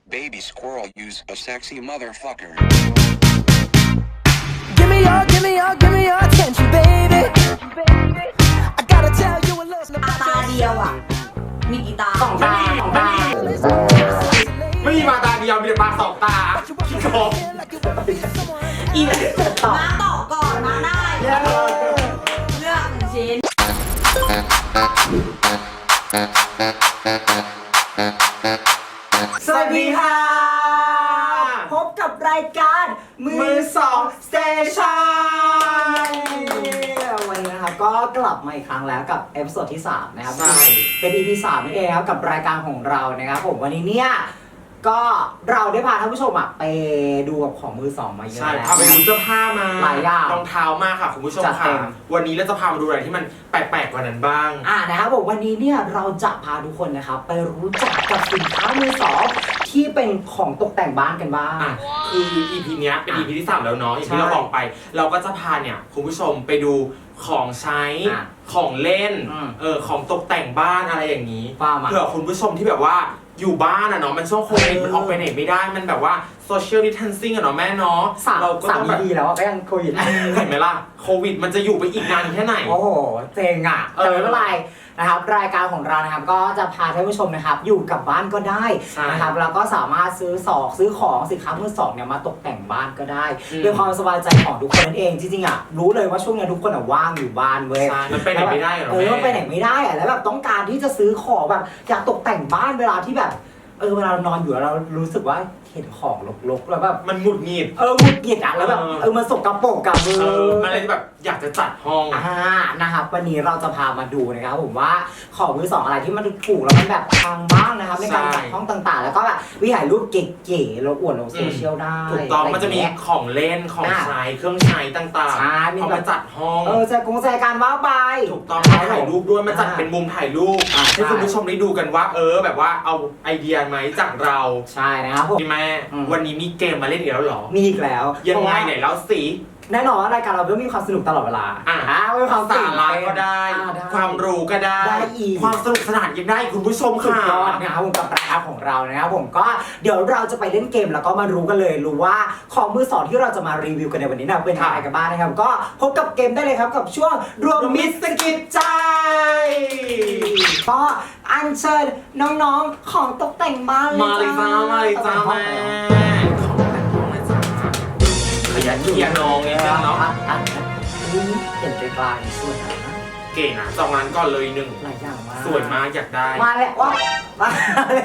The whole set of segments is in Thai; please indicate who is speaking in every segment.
Speaker 1: Baby squirrel use a sexy motherfucker.
Speaker 2: Give me your attention, baby. I gotta tell you a little
Speaker 3: ตาเดียวอ่ะ มีกี่ตา
Speaker 4: สองตาไม่มีมาตาเดียวมีแต่ตาสองตาขี้โกง
Speaker 3: อีมาต่อก่อนมาได้เลือกหนึ่งชิ้น
Speaker 4: สวัสดีค่ะ
Speaker 5: พบกับรายการ
Speaker 4: มือสองสเตชัน
Speaker 5: วันนี้นะครับก็กลับมาอีกครั้งแล้วกับเอพิโซดที่3นะครับ
Speaker 4: ใช่
Speaker 5: เป็น EP 3นั่นเองครับกับรายการของเรานะครับผมวันนี้เนี่ยก็เราได้พาท่านผู้ชมไปดูกับของมือสองมาเยอะ
Speaker 4: ใช่
Speaker 5: แล้ว
Speaker 4: พาไปดูเสื้อผ้ามา
Speaker 5: หลายอย่าง
Speaker 4: รองเท้ามาค่ะคุณผู้ชม
Speaker 5: จัดเต็
Speaker 4: ค่ะ
Speaker 5: ม
Speaker 4: วันนี้เราจะพามาดูอะไรที่มันแปลกๆกว่านั้นบ้าง
Speaker 5: นะครับผมวันนี้เนี่ยเราจะพาทุกคนนะครับไปรู้จักกับสินค้ามือสองที่เป็นของตกแต่งบ้านกันบ้าง
Speaker 4: คือ EP เนี้ยเป็น EP ที่ 3 แล้วเนาะอย่างที่
Speaker 5: ใช่
Speaker 4: เราบอกไป เราก็จะพาเนี่ยคุณผู้ชมไปดูของใช้ ของเล่น ของตกแต่งบ้านอะไรอย่างนี้
Speaker 5: ว่ามา
Speaker 4: เผื่อคุณผู้ชมที่แบบว่าอยู่บ้านอะเนาะมันช่วงโควิดมันออกไปไหนไม่ได้มันแบบว่า social distancing อะเนาะแม่เนาะเราก็ต้องแบบ
Speaker 5: ดีแล้วก็ยังโควิด
Speaker 4: เห็นไหมล่ะโควิดมันจะอยู่ไปอีกนานแค่ไหน
Speaker 5: โอ้โหเจ๋งอ่ะแต่ไม่เป็นไรนะครับรายการของเรานะครับก็จะพาท่านผู้ชมนะครับอยู่กับบ้านก็ได้
Speaker 4: ใช่
Speaker 5: นะครับแล้วก็สามารถซื้อของสินค้ามือสองเนี่ยมาตกแต่งบ้านก็ได้
Speaker 4: อืม
Speaker 5: ด้วยความสบายใจของทุกคนนั่นเองจริงๆอ่ะรู้เลยว่าช่วงนี้ทุกคนอ่ะว่างอยู่บ้านเว้ย
Speaker 4: ใช่มันไปไหนไม่ได้หรอ
Speaker 5: มันไป
Speaker 4: แม่
Speaker 5: ไหนไม่ได้อ่ะแล้วแบบต้องการที่จะซื้อของแบบอยากตกแต่งบ้านเวลาที่แบบเวลาเรานอนอยู่แล้วเรารู้สึกว่าเห็นของรกๆแล้วแบบ
Speaker 4: มันหงุดหงิด
Speaker 5: หงุดหงิดอ่ะแล้วแบบมันสกปรกกับมือ
Speaker 4: มันเลยแบบอยากจะจัดห้อง
Speaker 5: นะครับวันนี้เราจะพามาดูนะครับผมว่าของมือสองอะไรที่มันถูกแล้วมันแบบพังบ้างนะครับในการจัดห้องต่างๆ แล้วก็แบบวิถ่ายรูปเก๋ๆแล้วอวดลงโซเชียลได้
Speaker 4: ถูกต้อง
Speaker 5: ไร
Speaker 4: มันจะมี
Speaker 5: เงี้ย
Speaker 4: ของเล่นของใช้เครื่องใช้ต่าง
Speaker 5: ใช่
Speaker 4: ๆ
Speaker 5: มี
Speaker 4: เอา
Speaker 5: แบบ
Speaker 4: มาจัดห้อง
Speaker 5: ใจการว่าไป
Speaker 4: ถูกต้องมาถ่ายรูปด้วยมาจัดเป็นมุมถ่ายรูป
Speaker 5: อ่า
Speaker 4: ให้คุณผู้ชมได้ดูกันว่าแบบว่าเอาไอเดียไหมจากเรา
Speaker 5: ใช่นะครับผม
Speaker 4: พี่แม่วันนี้มีเกมมาเล่นอีกแล้วเหรอ
Speaker 5: มีอีกแล้ว
Speaker 4: ยังไงไหนแล้วสิ
Speaker 5: แน่นอนว่ารายการเราต้องมีความสนุกตลอดเวลามีความ
Speaker 4: สาระก็ได้ ความรู้ก็ได้
Speaker 5: ได้อีก
Speaker 4: ความสนุกสนานยังได้คุณผู้ชม
Speaker 5: สุด
Speaker 4: ค่ะ
Speaker 5: ยอดนะครับผมกับรายการของเรานะครับผมก็เดี๋ยวเราจะไปเล่นเกมแล้วก็มารู้กันเลยรู้ว่าของมือสองที่เราจะมารีวิวกันในวันนี้นะเป็นอะไรกันบ้างนะครับก็พบกับเกมได้เลยครับกับช่วงรวมมิตรสกิปใจก็อัญเชิญน้องๆของตกแต่งบ้าน
Speaker 4: มาเลยจ้ามาเลยจ้าแม่ขยันเคียร์น้องนิดนึงเนาะ
Speaker 5: เห็นไกลๆสวยนะ
Speaker 4: เก่งอ่ะจองร้านก่อนเลยหนึ่ง
Speaker 5: หลายอย่างมาก
Speaker 4: สวยมากอยากได้
Speaker 5: มาแล้วว่ามาแล้ว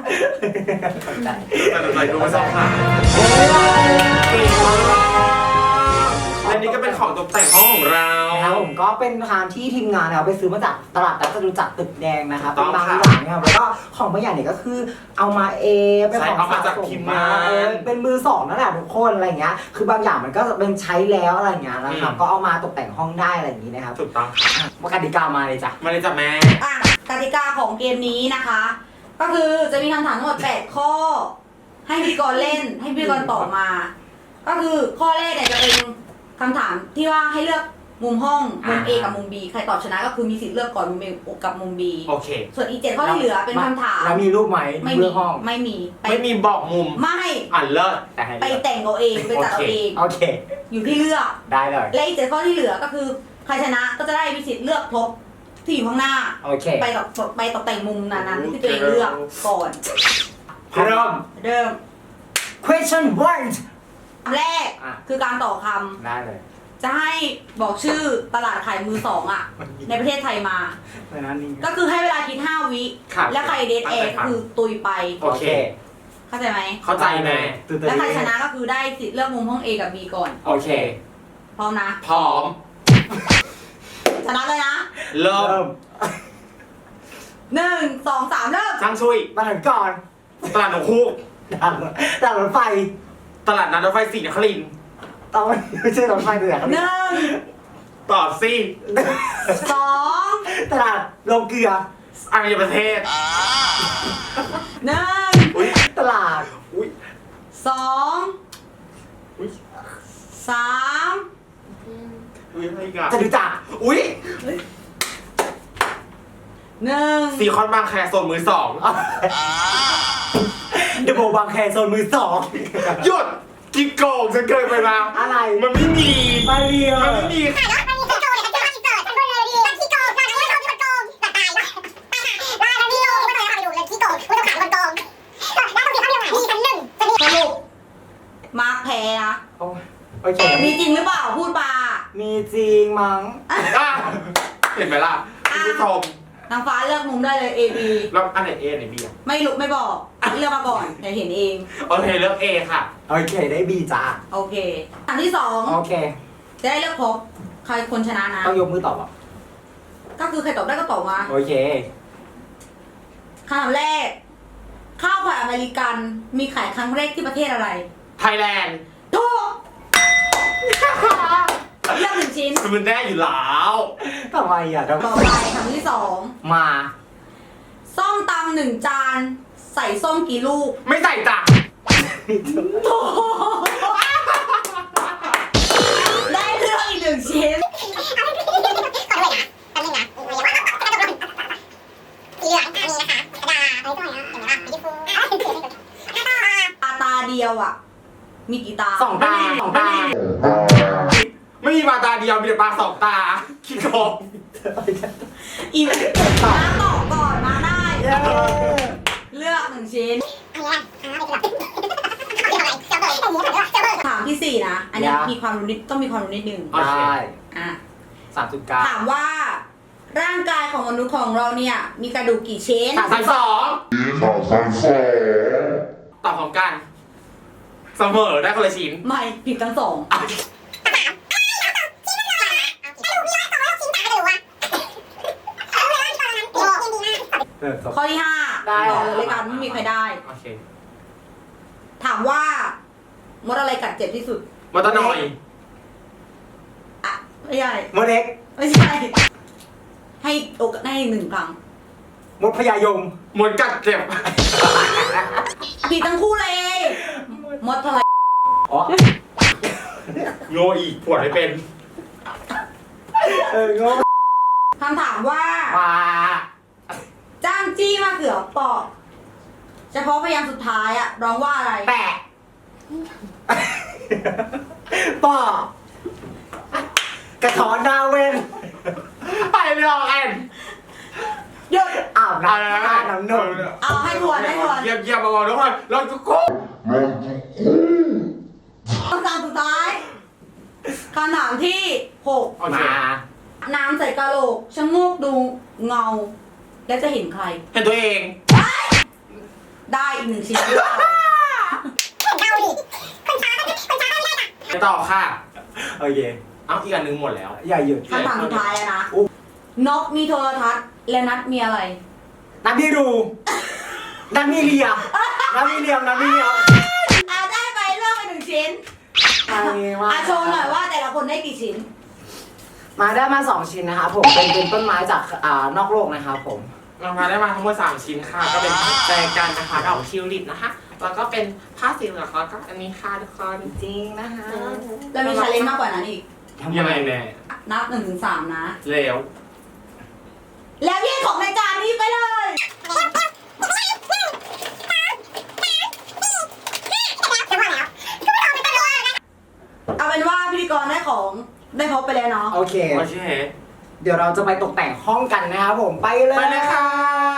Speaker 4: แต่ใจดูไม่ชอบค่ะเก่งมากและนี่ก็เป็นของตกแต่งห้องของเรา
Speaker 5: นะครับผมก็เป็นทางที่ทีมงานนะครับไปซื้อมาจากตลาดนัดจตุจักรตึกแดงนะครับ
Speaker 4: ต้
Speaker 5: เป็
Speaker 4: อน ง
Speaker 5: บาง
Speaker 4: ค่ะ
Speaker 5: อย่างนะครับแล้วก็ของบางอย่างเนี่ยก็คือเอามาเองเป็นของ
Speaker 4: ใช่เอามาจาก
Speaker 5: สะส
Speaker 4: ทีมงาน
Speaker 5: เป็นมือสองนั่นแหละทุกคนอะไรเงี้ยคือบางอย่างมันก็เป็นใช้แล้วอะไรเงี้ยนะครับก็เอามาตกแต่งห้องได้อะไรอย่างนี้นะครับ
Speaker 4: ถูกต้อง
Speaker 5: มากติกามาเลยจ้ะ
Speaker 4: มาเลยจ้ะแม่
Speaker 3: กติกาของเกมนี้นะคะ ก็คือจะมีคำถามทั้งหมด8ข้อ ให้พิธีกรเล่นให้พิธีกรตอบมา ก็คือข้อแรกเนี่ยจะเป็นคำถามที่ว่าให้เลือกมุมห้องมุม A กับมุม B ใครตอบชนะก็คือมีสิทธิ์เลือกก่อนมุม A กับมุม B
Speaker 4: โอเค
Speaker 3: ส่วนอีก7ข้อที่เหลือเป็นคำถาม
Speaker 5: แล้วมีรูปไหม
Speaker 3: ไม่
Speaker 5: เพื่
Speaker 3: มี
Speaker 5: อห้อง
Speaker 3: ไม่มี
Speaker 4: ไม่มีบอกมุม
Speaker 3: ไม่
Speaker 4: เลิศ
Speaker 5: แต่ให้
Speaker 3: ไปแต่งเอาเองไปจัดเอาเอง
Speaker 5: โอเค
Speaker 3: อยู่ที่เลือก
Speaker 5: ได้เลย
Speaker 3: และอีก7ข้อที่เหลือก็คือใครชนะก็จะได้มีสิทธิ์เลือกทบที่อยู่ข้างหน้า
Speaker 5: โอเค
Speaker 3: ไปตกแต่งมุมนั้นๆที่ตัวเองเลือกก่อน
Speaker 4: เริ่ม
Speaker 3: เริ่ม
Speaker 5: question one
Speaker 3: คำแรก
Speaker 5: อ่ะ
Speaker 3: คือการต่อค
Speaker 5: ได้เลย
Speaker 3: ำจะให้บอกชื่อตลาดขายมือสองอ่ะ ในประเทศไทยมา
Speaker 5: เพราะนั้นนี่
Speaker 3: ก็คือให้เวลาคิด5 วิ
Speaker 4: ครับ
Speaker 3: และใครเดทแอร์ก็คือตุยไป
Speaker 4: โอเค
Speaker 3: เข้าใจไหม
Speaker 4: เข้าใจแม่
Speaker 3: และใครชนะก็คือได้สิทธิ์เลือกมุมห้อง A กับ B ก่อน
Speaker 4: โอเค
Speaker 3: พร้อมนะ
Speaker 4: พร้อม
Speaker 3: ชนะเลยนะ
Speaker 4: เริ่ม
Speaker 3: 1 2 3 เริ่ม
Speaker 4: ช่างช่วย
Speaker 5: มาถึงก่อน
Speaker 4: ตลาดหนองคูก
Speaker 5: ด่านรถไฟ
Speaker 4: ตลาดนัดรถไฟศรีนครินทร์
Speaker 5: ต้องไม่ใช่รถไฟเดือด
Speaker 3: 1
Speaker 4: ต่อสิ
Speaker 3: 2
Speaker 5: ตลาดโรงเกลือ
Speaker 4: อารยประเทศ
Speaker 3: 1
Speaker 4: อุ้ย
Speaker 5: ตลาด
Speaker 4: อุ้ย
Speaker 3: 2
Speaker 4: อุ้ย
Speaker 3: 3
Speaker 4: อุ้ยอะไรอีกัน
Speaker 5: จะดูจักร
Speaker 4: อุ้ย
Speaker 3: 1
Speaker 4: ซีคอนบางแคโซนมือสอง
Speaker 5: เดอะโบบางแคโซนมือสอง
Speaker 4: หยุดกินโกงจนเกินไปแล้ว
Speaker 5: อะไร
Speaker 4: มันไม่มี
Speaker 5: ไม่เรีย
Speaker 4: มันไม่มี
Speaker 3: สรุปมาร์คแพ้นะ
Speaker 5: โอเค
Speaker 3: มีจริงหรือเปล่าพูดมา
Speaker 5: มีจริงมั้ง
Speaker 4: อ่ะเห็นไหมล่ะคุณผู้ชม
Speaker 3: นางฟ้าเลือกมุมได้เลย A B
Speaker 4: แล้วอันไหน A ไหน B อ่ะ
Speaker 3: ไม่รู้ไม่บอกเลือกมาก่อนเดี๋ยวเห็นเอง
Speaker 4: โอเคเลือก A ค่ะ
Speaker 5: โอเคได้บีจ้า
Speaker 3: โอเคอันที่สอง
Speaker 5: โอเค
Speaker 3: จะได้เลือกครบใครคนชนะนะ
Speaker 5: ต้องยกมือตอบอ่ะ
Speaker 3: ก็คือใครตอบได้ก็ตอบมา
Speaker 5: โอเค
Speaker 3: คำถามแรก ข้าวผัดอเมริกันมีขายครั้งแรกที่ประเทศอะไร
Speaker 4: ไทยแลนด์
Speaker 3: ถูกเลือกหนึ่งชิ้น
Speaker 4: มันแน่อยู่แล้ว
Speaker 5: ทำไมอ่ะ
Speaker 3: ต่อไปคำที่สอง
Speaker 5: มา
Speaker 3: ส้มตำหนึ่งจานใส่ส้มกี่ลูก
Speaker 4: ไม่ใส่จ้ะ
Speaker 3: ถูกได้เลือกอีกหนึ่งชิ้นตาเดียวอ่ะ มีกี่ตา
Speaker 5: สองตาสองตา
Speaker 4: ไม่มีมาตาเดียวมีแต่ตาสองตาขี้โกง
Speaker 3: อีกมาตอบก่อนมาได้ เลือกหนึ่งชิ้น ถามที่สี่นะ อันนี้มีความรู้นิดต้องมีความรู้นิดนึง
Speaker 5: ได้
Speaker 3: อ่ะ
Speaker 5: 3.9
Speaker 3: ถามว่า ร่างกายของมนุษย์ของเราเนี่ย มีกระดูกกี่ชิ้น
Speaker 4: ตอบพร้อมกันเสมอได้คนละชิ้น
Speaker 3: ไม่ผิดทั้งสอง ข้อที่ห้า
Speaker 5: ได้
Speaker 3: ต่อเลยรายการไม่มีใครได้
Speaker 4: โอเค
Speaker 3: ถามว่ามดอะไรกัดเจ็บที่สุด
Speaker 4: มอเตอร์นอย
Speaker 3: อ่ะไม่ใช่
Speaker 5: มดเล็ก
Speaker 3: ไม่ใช่ ให้โอกาสให้หนึ่งครั้ง
Speaker 5: มดพญายม
Speaker 4: มดกัดเจ็บ
Speaker 3: ผิดทั้งคู่เลย มดทราย
Speaker 5: อ๋อ
Speaker 4: โง่อีกปวดไม่เป็น
Speaker 5: โง่
Speaker 3: คำถามว่า
Speaker 5: มา
Speaker 3: จ้างจี้มะเขือเปอกเฉพาะพยางค์สุดท้ายอะร้องว่าอะไร
Speaker 5: แปะป่อกระถอนดาวเวน
Speaker 4: ไปไม่ออกแอน
Speaker 3: หยุด
Speaker 5: อาบน้ำท่าน้ำนม
Speaker 3: เอาให้ทวนให้ทวน
Speaker 4: เยี่ยมๆเบาๆทุกคนเราจะกู้
Speaker 3: คำถามสุดท้ายคำถามที่หก
Speaker 4: โอเค
Speaker 5: มา
Speaker 3: น้ำใส่กะโหลกชะโงกดูเงา แล้วจะเห็นใคร
Speaker 4: เห็นตัวเอง
Speaker 3: ได้อีกหนึ่งชิ้นด้วย
Speaker 4: ไปต่อค่ะ
Speaker 5: โอเค
Speaker 4: เอาอีกอันหนึงหมดแล้ว
Speaker 5: อย่าหยุด
Speaker 3: คำถามสุดท้ายแล้วนะ
Speaker 5: อุ๊ย
Speaker 3: นกมีโทรทัศน์และนัดมีอะไร
Speaker 5: นัดพี่ดูนัดพี่เลียนัดพี่เลียมนัดพี่เลียม
Speaker 3: อาได้ไปเลือกไปหนึ่งชิ้น
Speaker 5: มา
Speaker 3: อาโชว์หน่อยว่าแต่ละคนได้กี่ชิ้น
Speaker 5: มาได้มา2ชิ้นนะครับผมเป็นต้นไม้จากนอกโลกนะครับผม
Speaker 4: เรามาได้มาทั้งหมด3ชิ้นค่ะ ก็เป็นแจกันนะคะดอกทิวลิปนะคะ แล้วก็เป็นผ้าสีเหลืองแล้วก็อันนี้ค่ะทุกคน
Speaker 5: จริงนะคะ
Speaker 3: แล้วมีชาเลนจ์มากกว่านั้นอีก
Speaker 4: ยังไงแน่
Speaker 3: นับ1 ถึง 3 นะ
Speaker 4: แล้ว
Speaker 3: แล้วยื่นของในจานนี้ไปเลย เอาเป็นว่าพิธีกรได้ของได้พบไปแล้วเนาะ
Speaker 5: โอเค
Speaker 4: โอเค
Speaker 5: เดี๋ยวเราจะไปตกแต่งห้องกันนะครับผมไปเลย
Speaker 4: ไปเลยค่ะ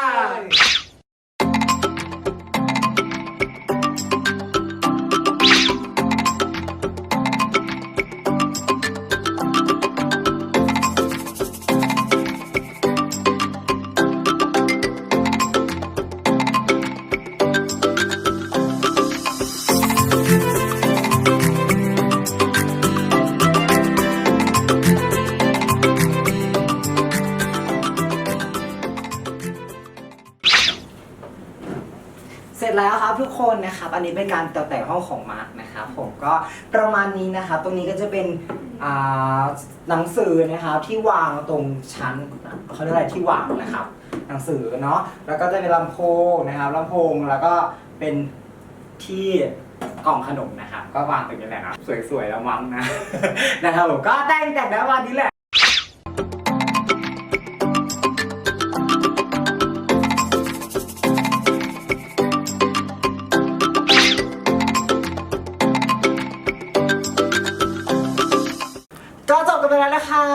Speaker 5: เสร็จแล้วครับทุกคนนะครับอันนี้เป็นการตกแต่งห้องของมาร์คนะครับผมก็ประมาณนี้นะครับตรงนี้ก็จะเป็นหนังสือนะครับที่วางตรงชั้นเขาเรียกอะไรที่วางนะครับ หนังสือเนาะแล้วก็จะเป็นลำโพงนะครับลำโพงแล้วก็เป็นที่กล่องขนมนะครับก็วางตรงนี้แหละนะสวยๆแล้วมั้งนะ นะครับผมก็แต่งแล้ววันนี้แหละ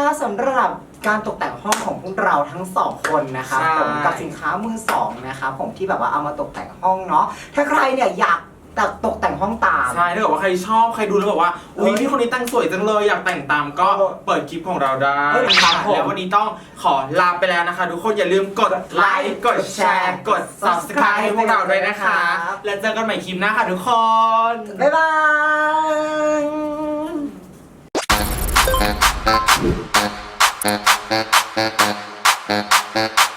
Speaker 5: สำหรับการตกแต่งห้องของพวกเราทั้งสองคนนะครับ
Speaker 4: ใช่
Speaker 5: ผมกับสินค้ามือสองนะครับผมที่แบบว่าเอามาตกแต่งห้องเนาะถ้าใครเนี่ยอยากตกแต่งห้องตาม
Speaker 4: ใช่ถ้าเกิดว่าใครชอบใครดูแล้วบอกว่าอุ้ยพี่คนนี้แต่งสวยจังเลยอยากแต่งตามก็เปิดคลิปของเราได้
Speaker 5: ครับผม
Speaker 4: แล้ววันนี้ต้องขอลาไปแล้วนะคะ ทุกคนอย่าลืมกดไลค์กดแชร์กด subscribe ให้พวกเราด้วยนะคะ แล้วเจอกันใหม่คลิปหน้าค่ะทุกคน
Speaker 5: บ๊ายบาย
Speaker 1: Thank you.